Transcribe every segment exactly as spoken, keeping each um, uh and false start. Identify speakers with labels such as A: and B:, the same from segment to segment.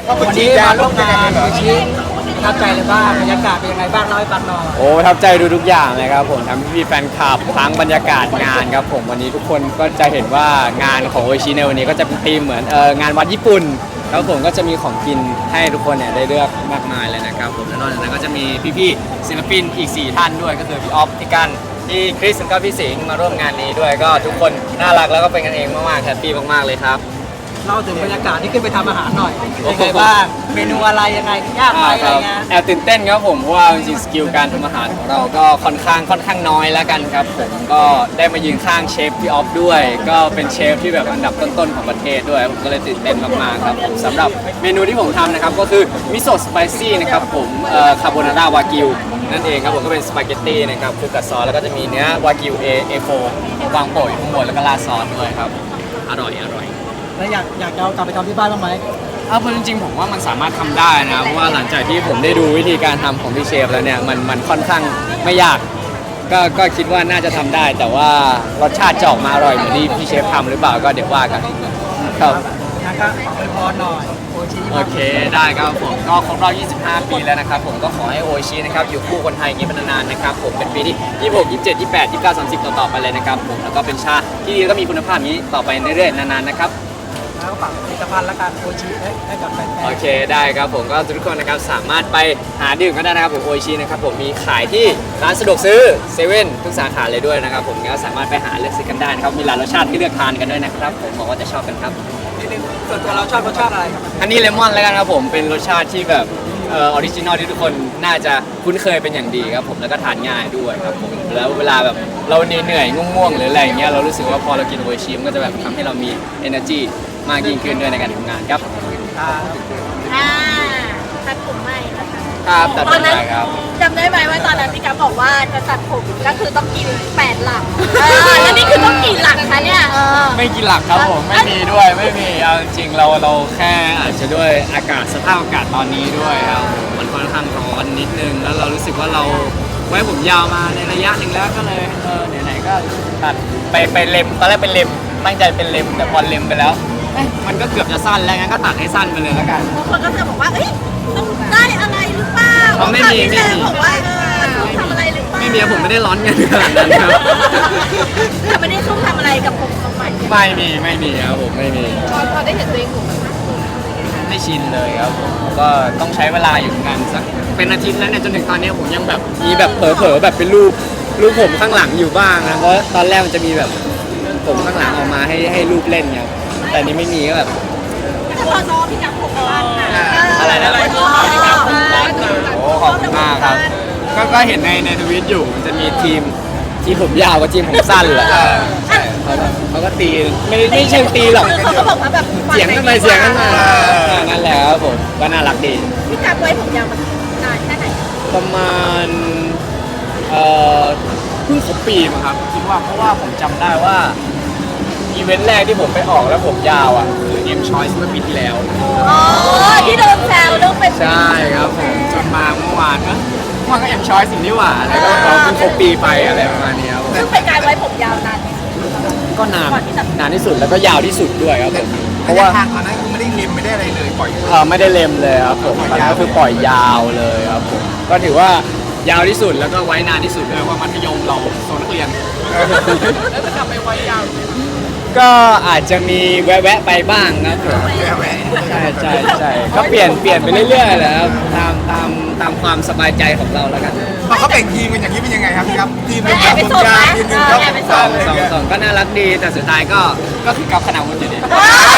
A: วันนี้มาร่วมงานโอชิประทับใจเลยบ้างบรรยากาศเป็นยังไงบ้างเล่าให้ฟังหน่อย
B: โอ้ประทับใจดูทุกอย่างเลยครับผมทั้งพี่แฟนคลับทั้งบรรยากาศงานครับผมวันนี้ทุกคนก็จะเห็นว่างานของโอชิในวันนี้ก็จะเป็นธีมเหมือนเอองานวัดญี่ปุ่นแล้วผมก็จะมีของกินให้ทุกคนเนี่ยได้เลือกมากมายเลยนะครับผมและนอกจากนั้นก็จะมีพี่ๆศิลปินอีกสี่ท่านด้วยก็คือพี่ออฟพี่กันพี่คริสแล้วก็พี่สิงห์มาร่วมงานนี้ด้วยก็ทุกคนน่ารักแล้วก็เป็นกันเองมากๆแฮปปี้มากๆเลยครับ
A: เล่าถึงบรรยากาศที่ขึ้นไปทำอาหารหน่อยเป็นไงบ้างเมนูอะไรยังไงยากไหมอะไรเงี้ย
B: แอบตื่นเต้นครับผมเพราะว่าจริงๆสกิลการทำอาหารของเราก็ค่อนข้างค่อนข้างน้อยแล้วกันครับผมก็ได้มายืนข้างเชฟพี่ออฟด้วยก็เป็นเชฟที่แบบอันดับต้นๆของประเทศด้วยผมก็เลยตื่นเต้นมากๆครับผมสำหรับเมนูที่ผมทำนะครับก็คือมิโซะสไปซี่นะครับผมคาโบนาร่าวากิวนั่นเองครับผมก็เป็นสปาเกตตี้นะครับคลุกกับซอสแล้วก็จะมีเนื้อวากิวเอเอโฟวางโปะอยู่ข้างบนแล้วก็ราดซอสด้วยครับอร่อยอร่อย
A: แล้วอยากอยากจะเอากลับไปทำที่บ้านบ้างไหม
B: เอาจริงๆผมว่ามันสามารถทำได้นะเพราะว่าหลังจากที่ผมได้ดูวิธีการทำของพี่เชฟแล้วเนี่ยมันมันค่อนข้างไม่ยากก็ก็คิดว่าน่าจะทำได้แต่ว่ารสชาติจะออกมาอร่อยเหมือนที่พี่เชฟทำหรือเปล่าก็เดี๋ยวว่ากันครับ
A: งั้นก็อวยพรหน่อยโอชิ
B: โอเคได้ครับผมก็ครบรอบยี่สิบห้า ปีแล้วนะครับผมก็ขอให้โอชินะครับอยู่คู่คนไทยอย่างนี้เป็นนานๆนะครับผมเป็นปีที่ยี่สิบหก ยี่สิบเจ็ด ยี่สิบแปด ยี่สิบเก้า สามสิบต่อๆไปเลยนะครับผมแล้วก็เป็นชาที่ดีแล้วก็มีคุณภาพนี้ต่อไปเรื่อยๆนานๆนะครับ
A: แล้วก็ฝากผลิตภัณฑ์และการโอชิให้กับแฟนๆ
B: โอเคได้ครับผมก็ทุกคนนะครับสามารถไปหาดื่มกันได้นะครับผมโอชินะครับผมมีขายที่ร้านสะดวกซื้อเซเว่นทุกสาขาเลยด้วยนะครับผมก็สามารถไปหาเลือกซื้อกันได้นะครับมีหลายรสชาติที่เลือกทานกันด้วยนะครับผมบอกว่าจะชอบกันครับ
A: ส่วนตัวเราชอบรสชาติอะไรครับ
B: อันนี้เลมอนแล้วกันครับผมเป็นรสชาติที่แบบเออออริจินอลที่ทุกคนน่าจะคุ้นเคยเป็นอย่างดีครับผมแล้วก็ทานง่ายด้วยครับผมแล้วเวลาแบบเราเหนื่อยๆง่วงๆหรืออะไรอย่างเงี้ยเรารู้สึกว่าพอเรากินโอชิมันก็จะแบบทำให้เรามี energy มากยิ่งขึ้นด้วยในการทำงานครับ
C: อ่าตัดผมใหม่นะคะ
B: ครับตัดผมใหม่ครับ
C: จำได้ไหมว่าตอนนั้นพี่กัฟบอกว่าจะตัดผมก็คือต้องกินแปดหลักแล้วนี่คือต้องกี่หลักคะเนี่ย
B: ไม่กี่หลักครับผมไม่มีด้วยไม่มีเอาจริงๆเราเราแค่อาจจะด้วยอากาศสภาพอากาศตอนนี้ด้วยครับมันค่อนข้างร้อนนิดนึงแล้วเรารู้สึกว่าเราไว้ผมยาวมาในระยะหนึ่งแล้วก็เลยเออไหนๆก็ตัดไปไปเล็มตอนแรกเป็นเล็มตั้งใจเป็นเล็มแต่พอเล็มไปแล้วมันก็เกือบจะสั้นแล้วงั้นก็ตัดให้สั้นไปเลยแล้วกัน
C: บางคนก็จะบอกว่าเอ้ยต้องได้อะไรหรือเปล่า
B: ไม่มีไม่มี
C: บอกว่าต้องทำอะไรหรือเปล่า
B: ไม่มีผมไม่ได้ร้อนเงินขนาดนั้นครับ
C: แต่ไม่ได้ต้องทำอะไรกับผมตรงใหม่
B: ไม่มีไม่มีครับผมไม่มี
C: พอได้เห็นตัวเองผม
B: ไม่ชินเลยครับผมก็ต้องใช้เวลาอยู่งานสักเป็นอาทิตย์แล้วเนี่ยจนถึงตอนนี้ผมยังแบบมีแบบเผลอๆแบบเป็นรูปรูปผมข้างหลังอยู่บ้างนะเพราะตอนแรกมันจะมีแบบผมข้างหลังออกมาให้ให้รูปเล่นครับแต่นี้ไม่มีก็แบบ
C: พอน้องพี่กับผมบ้าน
B: อะไรนะโอ้ขอบคุณมากครับก็ก็เห็นในในทวิตอยู่มันจะมีทีมทีมผมยาวกับทีมผมสั้นแหละเขาเขาก็ตีไม่ไม่เชิงตีหรอก
C: เขาก็บอกว่าแบบ
B: เสียงกันไปเสียงกันมานั่นแหละครับผมก็น่ารักดี
C: พี่กับไว้ผมยาวมานานแค่ไหน
B: ประมาณเอ่อเพิ่งครบปีมั้งครับคิดว่าเพราะว่าผมจำได้ว่าอีเวนต์แรกที่ผมไปออกแล้วผมยาวอ่ะคือ M Choice เมื่อปีที่แล้ว
C: อ๋อที่โดนแซวเรื่องเป็น
B: ใช่ครับผมจนมาเมื่อวานก็เมื่อวานก็ M Choice สิ่งที่หว่าแล้วก็เขาเพิ่งครบปีไปอะไรประมาณนี้ครับ
C: ซึ่งเป็นการไว้ผมยาวนานที่สุด
B: ก็นานนานที่สุดแล้วก็ยาวที่สุดด้วยครับผม
D: เพราะว่าทางตอนนั้นคือไม่ได้เล็มไม่ได้อะไรเลยปล่อย
B: เออไม่ได้เล็มเลยครับผมตอนนั้นก็คือปล่อยยาวเลยครับผมก็ถือว่ายาวที่สุดแล้วก็ไว้นานที่สุดเลยว่ามัธยมเราโซนนักเรียน
A: แล้วจะกลับไปไว้ยาว
B: ก็อาจจะมีแวะๆไปบ้างครับผมใช่ใช่ใช่ก็เปลี่ยนเปลี่ยนไปเรื่อยๆแหละครับตามตามตามความสบายใจของเราแล้วกัน
D: พอเขาแบ่งทีมกันอย่างนี้เป็นยังไงครับครับทีมหนึ่งครับผมยาวทีมหนึ่งครับ
B: สองสองสองก็น่ารักดีแต่สุดท้ายก็ก็คือกับขนาดคนอยู่ดี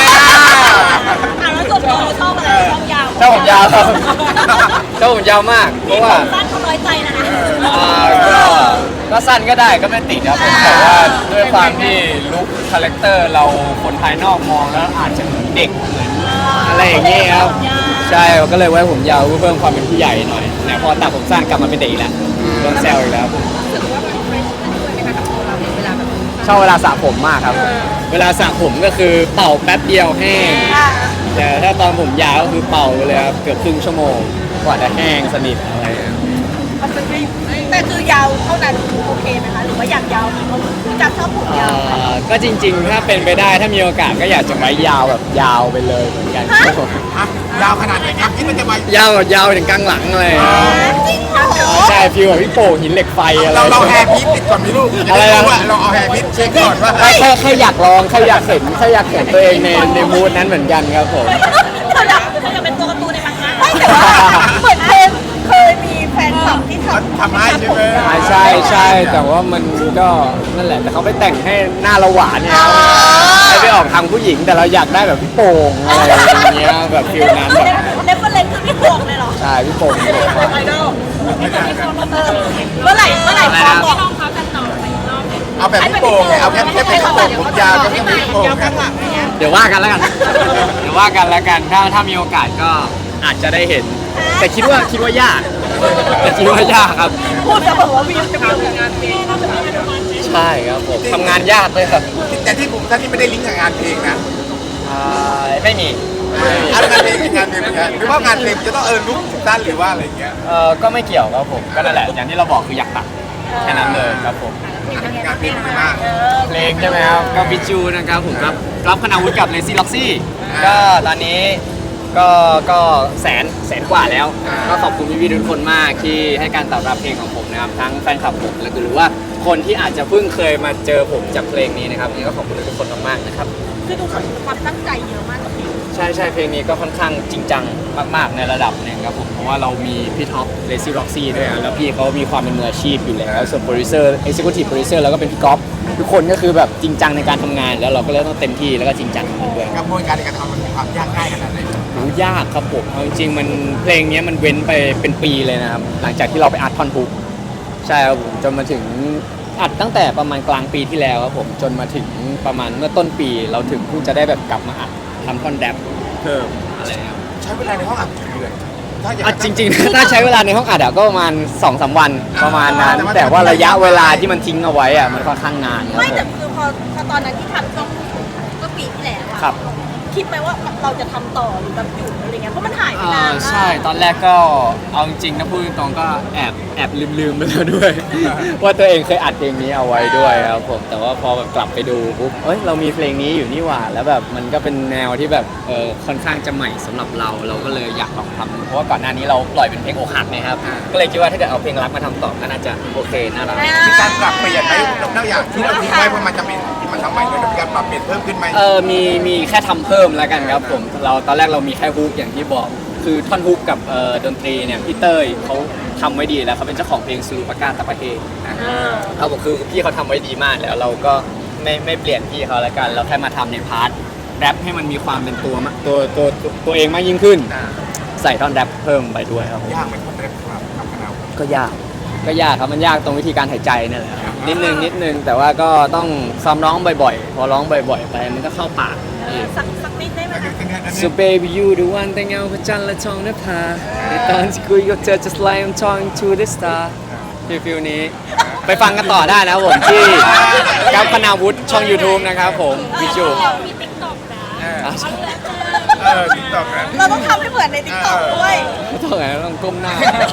C: แล้วส่วนตัวเราชอบอะไรชอบยาว
B: ชอบผมยาวครับชอบผมยาวมากเพราะว่า
C: สั้นเขาน้อยใจนะ
B: ก็ก็สั้นก็ได้ก็ไม่ติดครับแต่ว่าด้วยความที่ลุคคาแรคเตอร์เราคนภายนอกมองแล้วอาจจะเหมือนเด็กเหมือนอะไรอย่างเงี้ยครับใช่ก็เลยไว้ผมยาวเพิ่มความเป็นผู้ใหญ่หน่อยแต่พอตัดผมสั้นกลับมาเป็นเด็กแล้วโดนแซวอีกแล้วชอบเวลาสระผมมากครับเวลาสระผมก็คือเป่าแป๊บเดียวแห้งแต่ถ้าตอนผมยาวก็คือเป่าเลยครับเกือบครึ่งชั่วโมงกว่าจะแห้งสนิทอะไร
C: มันจะไม่แต่คือยาวเท่านั้นโอเคไหมคะหรือว่าอยากยาวอีกเพราะพี่กัฟชอบผมยาว
B: เอ่อก็จริงๆ ถ้าเป็นไปได้ถ้ามีโอกาสก็อยากจะไว้ยาวแบบยาวไปเลยเหมือนกันครับผม
D: อ่ะยาวขนาดไหนครับคิดว่าจะมาย
B: าวแบบยาวถึงกลางหลังเลย
C: จริงเหรอ
B: ใช่ฟิลแบบพี่โป่งหินเหล็กไฟอะไร
D: เราเราแฮร์พิษติดก่อนไหมลูก
B: อะไรนะ
D: ว่าเราเอาแฮร์พิษเช็คก่อนว่า
B: แค่แค่แค่อยากลองแค่อยากเห็นแค่อยากเห็นตัวเองในในมูดนั้นเหมือนกันครับผม
C: เธออยากเธออยากเป็นตัวการ์ตูนในมังงะไม่แต่ว่าเหมือนเคยเคยมีแฟนคลับที่ทำ
D: ทำให้ใช่ไหม
B: อ่าใช่ใช่แต่ว่ามันก็นั่นแหละแต่เขาไปแต่งให้หน้าเราหวานเนี่ยให้ไปออกทางผู้หญิงแต่เราอยากได้แบบพี่โป่งอะไรอย่างเงี้ยแบบฟิลนั้นแบบ
C: เนฟเฟอร์เลนคือพี่โป่งเลยเหรอ
B: ใช่พี่โป่งหินเหล็กไฟ
C: ไอดอลเมื่อไหร่เมื่อไหร่พร้อมบอก
D: เอาแบบพี่โป่งไงเอาแค่แค่เป็นพี่โป่งผมยาวก็แค่เป็นพี่โป่งนะ
B: เดี๋ยวว่ากันแล้วกัน เดี๋ยวว่ากันแล้วกันถ้าถ้ามีโอกาสก็อาจจะได้เห็น แต่คิดว่าคิดว่ายากแต่คิดว่ายากครับ
C: พูดจะบอกว่าวิวจะมีงานเพลง
B: ใช่ครับผมทำงานยากเลยครับ
D: แต่ที่ผมท่านที่ไม่ได้ลิงก์กับงานเพลงนะ
B: อ่าไม่มี
D: เอางานเพลงกับงานเพลงเป็นไงหรือว่างานเพลงจะต้องเออลุกสั้นหรือว่าอะไรอย่างเงี้ย
B: เออก็ไม่เกี่ยวครับผมก็นั่นแหละอย่างที่เราบอกคืออยากตัดแค่นั้นเลยครับผม
D: งานเพลงเป็นมาก
B: เพลงใช่ไหมครับก็บิจูนะครับผมครับรับคณาวุฒิกับเลซี่ล็อกซี่
D: อ่า
B: ก็ตอนนี้ก็ก็แสนแสนกว่าแล้ว
D: อ่า
B: ก็ขอบคุณพี่ๆทุกคนมากที่ให้การตอบรับเพลงของผมนะครับทั้งแฟนคลับผมและหรือว่าคนที่อาจจะเพิ่งเคยมาเจอผมจากเพลงนี้นะครับนี่ก็ขอบคุณทุกคนมากๆนะครับ
C: คือดูความตั้งใจเยอะมากกับเพลง
B: ใช่ใช่เพลงนี้ก็ค่อนข้างจริงจังมากๆในระดับหนึ่งครับผมเพราะว่าเรามีพี่ท็อปเลซี่ล็อกซี่ด้วยอะแล้วพี่เขามีความเป็นมืออาชีพอยู่แล้วส่วนโปรดิวเซอร์เอ็กซิคิวทีฟโปรดิวเซอร์แล้วก็เป็นพี่ก๊อฟทุกคนก็คือแบบจริงจังในการทำงาน แล้วเราก็เลยต้องเต็มที่แล้วก็จริงจังกับมันด้วย
D: กระบวนการในการทำมันมีความยากง่ายขนาดไหน
B: โหยากครับผมเอาจริงๆมันเพลงนี้มันเว้นไปเป็นปีเลยนะครับหลังจากที่เราไปอัดท่อนฮุกใช่ครับผมจนมาถึงอัดตั้งแต่ประมาณกลางปีที่แล้วครับผมจนมาถึงประมาณเมื่อต้นปี เราถึงเพิ่งจะได้แบบกลับมาอัดทำท่อนแรปเพิ่มอะไรครับ
D: ใช้เวลาในห้องอัดกี่เดือนถ้าอยาก
B: อ่ะจริงๆ ถ้าใช้เวลาในห้องอัดอะก็ประมาณสองสามวันประมาณนั้น
D: แต่ว่า
B: แต่ว่าระยะเวลาที่มันทิ้งเอาไว้อะมันค่อนข้างนานครับ
C: ไม่
B: ผ
C: แต่
B: ม
C: คือพอพอตอนนั้นที่ทำช่วงก็ปีที่แล้วอะ
B: ครับ
C: คิดไหมว่าเราจะทำต่อหรือแบบหยุดอะไรเงี้ยเพราะมันหายไป
B: อ่าน
C: านมาก
B: ใช่ตอนแรกก็เอาจริงๆนะพูดตรงๆก็แอบแอบลืมๆไปแล้วด้วย ว่าตัวเองเคยอัดเพลงนี้เอาไว้ด้วยครับผมแต่ว่าพอแบบกลับไปดูปุ๊บเอ้ยเรามีเพลงนี้อยู่นี่หว่าแล้วแบบมันก็เป็นแนวที่แบบเออค่อนข้างจะใหม่สำหรับเราเราก็เลยอยากลองทำเพราะว่าก่อนหน้านี้เราปล่อยเป็นเพลงอกหักนะครับก็เลยคิดว่าถ้าเกิดเอาเพลงรักมาทำต่อก็น่าจะโอเคน่ารัก
D: มีการปรับเปลี่ยนไหมนอกจากที่เราทิ้งไว้เพราะมันจะเป็นที่มันทำใหม่เลยมีการปรับเปลี่ยนเพิ่มขึ้นไหม
B: เออมีมีแค่ทำเพิ่มแล้วกันครับผมเราตอนแรกเรามีแค่ฮุกอย่างที่บอก คือท่อนฮุกกับเอ่อดนตรีเนี่ยพี่เต้ยเขาทำไว้ดีแล้วเขาเป็นเจ้าของเพลงซูรุปากาตะปะเฮเขาบอกคือพี่เขาทำไว้ดีมากแล้วเราก็ไม่ไม่เปลี่ยนพี่เขาแล้วกัน เราแค่มาทำในพาร์ทแรปให้มันมีความเป็นตัวมะตัวตัวตัวตัวเองมากยิ่งขึ้น
D: อ่า
B: ใส่ท่อนแรปเพิ่มไปด้วยครับผม
D: ยากไหมคนเล่นครับทำกันเอา
B: ก็ยากก็ยากครับมันยากตรงวิธีการหายใจนั่นแหละครับนิดนึงนิดนึงแต่ว่าก็ต้องซ้อมร้องบ่อยๆ พอร้องบ่อยๆ ไปมันก็เข้าปากเอง
C: สักสักนิดได้ไหมคะ
B: So baby you the one แต่เงาพระจันทร์และทองนภาในตอนที่คุยกับเธอ just like I'm talking to the star ฟิลฟิลนี้ ไปฟังกันต่อได้นะครับผมที่กัปคณาวุฒิช่อง YouTube นะครับผมวิจู
C: มีติ๊กต็อกนะ
B: อ่ะ
D: เออติ๊กต็อกนะ
C: เราต้องทำให้เหมือนในติ๊กต็อกด้วย
B: ต้องไงต้องก้มหน้า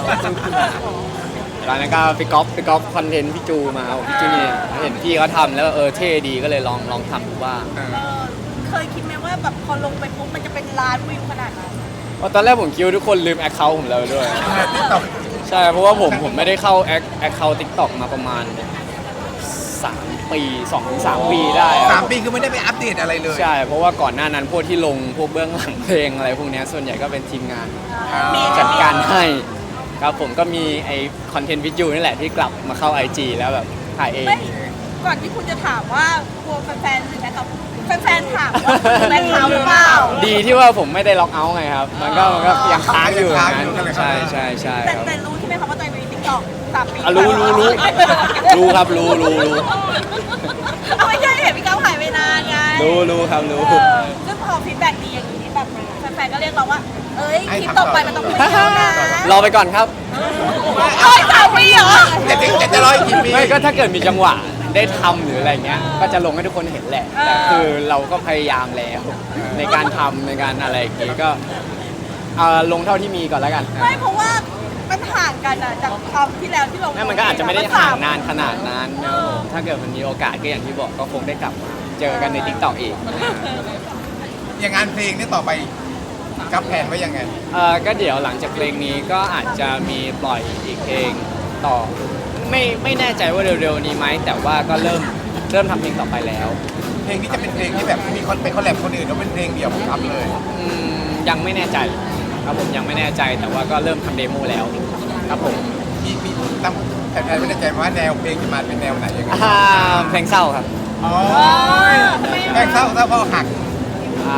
B: ตอนนั้นก็ไปก๊อปไปก๊อปคอนเทนต์พี่จูมาเอาพี่จูนี่เห็นพี่เขาทำแล้วเออเท่ดีก็เลยลองลองทำดูบ้าง
C: เออเคยคิดไหมว่าแบบพอลงไปปุ๊บมันจะเป็นล้านวิวขนาดนั้น
B: เพราะตอนแรกผมคิดว่าทุกคนลืมแอคเคาท์ผมแล้วด้วย
D: ติ๊กต็อก
B: ใช่เพราะว่าผมผมไม่ได้เข้าแอคแอคเคาท์ทิกตอกมาประมาณสามปีสองถึงสามปีได้อะ
D: สามปีคือไม่ได้ไปอัปเดตอะไรเลย
B: ใช่เพราะว่าก่อนหน้านั้นพวกที่ลงพวกเบื้องหลังเพลงอะไรพวกเนี้ยส่วนใหญ่ก็เป็นทีมงาน
C: มี
B: จัดการให้ครับผมก็มีไอคอนเทนต์วิดีโอนี่แหละที่กลับมาเข้า ไอ จี แล้วแบบถ่ายเอง
C: ไม่ก่อนที่คุณจะถามว่ากลัวแฟนๆหรือแฟนคลับแฟนๆถามว่าคุณเป็นเขาหรือเปล่า
B: ดีที่ว่าผมไม่ได้ล็อกเอาท์ไงครับมันก็มันก็ยังค้างอยู่อย่างนั้นใช่ใช่ใช่
C: แต่
B: ครับ
C: แต่รู้ใช่ไหมคะว่าตัวเองมีติ๊กต็อกสามปี
B: อ่ะรู้รู้รู้รู้ครับรู้รู้รู้
C: เอาไม่ใช่เห็นพี่ก้าวหายไปนานไง
B: รู้รู้ครับรู้
C: เออซึ่งพอฟีดแบ็กดีอย่างนี้แบบแฟนๆก็เรียกเราว่า เอ้ยคลิปต่อไปมันต้องมีแล้วนะ
B: รอไปก่อนครับ
C: เอ้ยสามปีเหรอ
D: จะถึงจะร้อยกี่ปี
B: ไม่ก็ถ้าเกิดมีจังหวะได้ทำหรืออะไรเงี้ย ก็จะลงให้ทุกคนเห็นแหละ แต่คือเราก็พยายามแล้ว ในการทำในการอะไรอย่างงี้ก็เอ่อลงเท่าที่มีก่อนแล้วกัน
C: ไม่เพราะว่ามันห่างกันอะจากคราวที่แล้วที่เรา
B: นั่นมันก็อาจจะไม่ได้ห่างนานขนาดนั้นนะครับผมถ้าเกิดมันมีโอกาสก็อย่างที่บอกก็คงได้กลับมาเจอกันในทิกตอกอีก
D: อย่างงานเพลงนี่ต่อไปกับแผนไว้ยังไง
B: เออก็เดี๋ยวหลังจากเพลงนี้ก็อาจจะมีปล่อยอีกเพลงต่อ ไม่ไม่แน่ใจว่าเร็วๆนี้ไหมแต่ว่าก็เริ่มเริ่มทำเพลงต่อไปแล้ว
D: เพลงนี้จะเป็นเพลงที่แบบมีคนไปคอลแลบคนอื่นแล้วเป็นเพลงเดี่ยวของอัพเลย
B: อืมยังไม่แน่ใจครับผมยังไม่แน่ใจแต่ว่าก็เริ่มทำเดโมแล้วครับผม
D: มีมีตั้งแผนไม่แน่ใจว่าแนวเพลงจะมาเป็นแนวไหนยังไง
B: อ่าเพลงเศร้าครับ
D: อ๋อแค่เศร้าเศร้าเพราะหัก
B: อ่า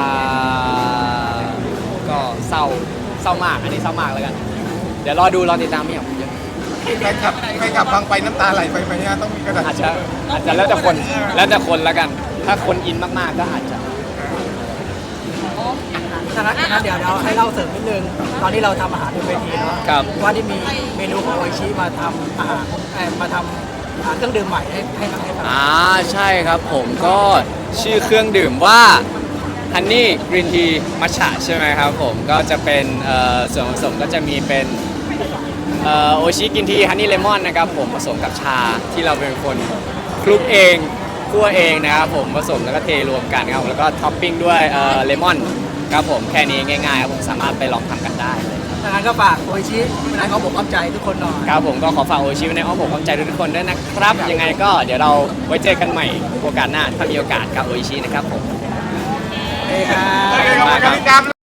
B: ก็เศร้าเศร้ามากอันนี้เศร้ามากแล้วกัน เดี๋ยวรอดูรอติดตามพี่หยองเยอะ
D: ใครขับใครขับฟังไปน้ำตาไหลไปไหมเนี่ยต้องมีกระดาษ
B: อาจจะอาจจะแล้วแต่คนแล้วแต่คนแล้วกัน ถ้าคนอินมากๆก็อาจจะ
A: ถ้างั้นงั้นเดี๋ยวเราให้เล่าเสริมนิดนึงตอนนี้เราทำอาหารบนเวทีเนาะ
B: ครับ
A: ว่าที่มีเมนูของโออิชิมาทำอาหารเอ่อมาทำอ่าเครื่องดื่มใหม่ให้ให้กับให้กับ
B: อ่าใช่ครับผมก็ชื่อเครื่องดื่มว่าฮันนี่กรีนทีมัชฉะใช่ไหมครับผมก็จะเป็นเอ่อส่วนผสมก็จะมีเป็นโอชิกินทีฮันนี่เลมอนนะครับผมผสมกับชาที่เราเป็นคนคลุกเองคั่วเองนะครับผมผสมแล้วก็เทรวมกันครับแล้วก็ท็อปปิ้งด้วยเลมอนครับผมแค่นี้ง่ายๆครับผมสามารถไปลองทำกันได้เลย
A: ถ้างั้นก็ฝากโออิชิในเขาบอกความใจทุกคนหน่อย
B: ครับผมก็ขอฝากโอชิไว้ในอ้อมอกอ้อมใจทุกคนด้วยนะครับยังไงก็เดี๋ยวเราไว้เจอกันใหม่โอกาสหน้าถ้ามีโอกาสกับโอชินะครับผม
A: โอเคครับ
D: โอเคขอบคุณครับพี่กั๊บ